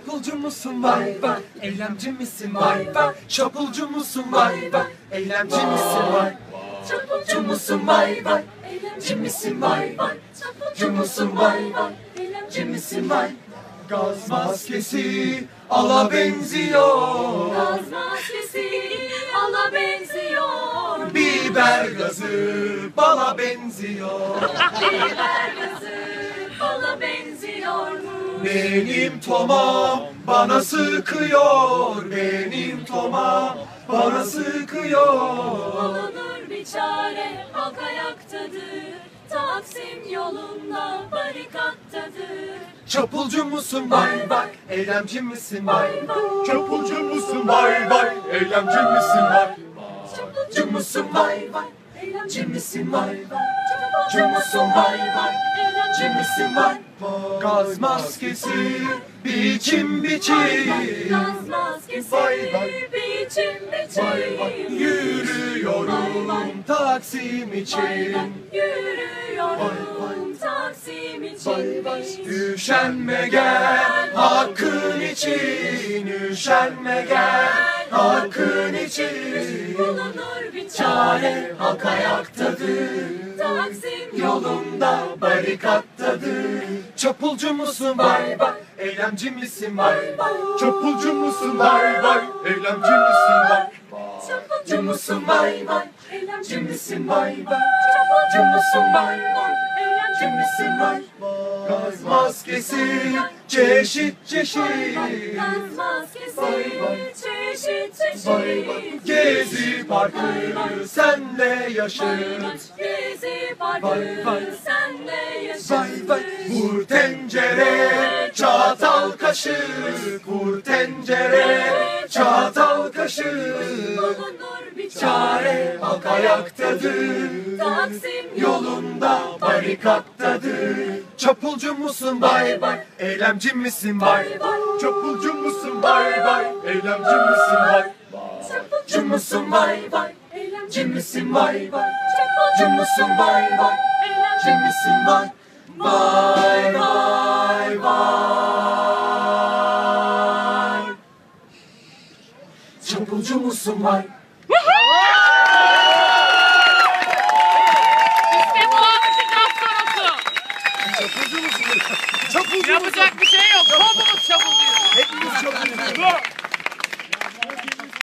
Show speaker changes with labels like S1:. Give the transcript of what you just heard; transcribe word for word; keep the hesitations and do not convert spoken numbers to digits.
S1: Çapulcu musun vay vay, eylemci misin vay vay? Çapulcu musun vay vay, eylemci misin vay? Çapulcu musun vay vay, eylemci misin vay vay? Çapulcu musun vay vay, eylemci misin vay? Gaz maskesi ala benziyor,
S2: Gaz maskesi ala benziyor,
S1: biber gazı bala benziyor.
S2: biber gazı bala benziyor mu?
S1: Benim tomam bana sıkıyor, benim tomam bana sıkıyor.
S2: Bulunur bir çare, halk ayaktadır, Taksim yolunda barikattadır.
S1: Çapulcu musun vay vay, eylemci misin vay vay? Çapulcu musun vay vay, eylemci misin vay? Çapulcu musun vay vay, eylemci misin vay vay? Çapulcu musun vay vay, eylemci misin vay? Gaz maskesi biçim biçim,
S2: Gaz maskesi
S1: vay vay,
S2: biçim
S1: vay vay.
S2: biçim,
S1: Yürüyorum Taksim
S2: Vay
S1: için,
S2: vay,
S1: Vay
S2: yürüyorum Taksim için.
S1: üşenme gel hakkın için, üşenme gel hakkın için.
S2: Bulunur bir
S1: Çare halk ayaktadır,
S2: Taksim
S1: yolunda barikattadır. Çapulcu musun vay vay, eylemci misin vay vay? Çapulcu musun vay vay, eylemci misin vay? Çapulcu musun vay vay, eylemci misin vay vay? Çapulcu musun vay vay, eylemci misin vay? Gaz maskesi çeşit çeşit,
S2: Gaz maskesi
S1: Vay vay,
S2: çeşit
S1: vay vay.
S2: çeşit.
S1: Gezi parkı senle yaşır,
S2: Gezi parkı
S1: Vay vay,
S2: senle
S1: vay vay.
S2: yaşasın.
S1: Vur tencere çatal kaşık, vur tencere çatal kaşık.
S2: Bulunur bir
S1: Çare halk ayaktadır,
S2: Taksim
S1: yolunda barikattadır. Çapulcu musun vay vay, eylemci misin vay vay? Çapulcu musun vay vay, eylemci misin vay? Çapulcu musun vay vay, eylemci misin vay vay? Çapulcu musun vay vay, eylemci misin vay? Vay vay vay. Çapulcu musun vay?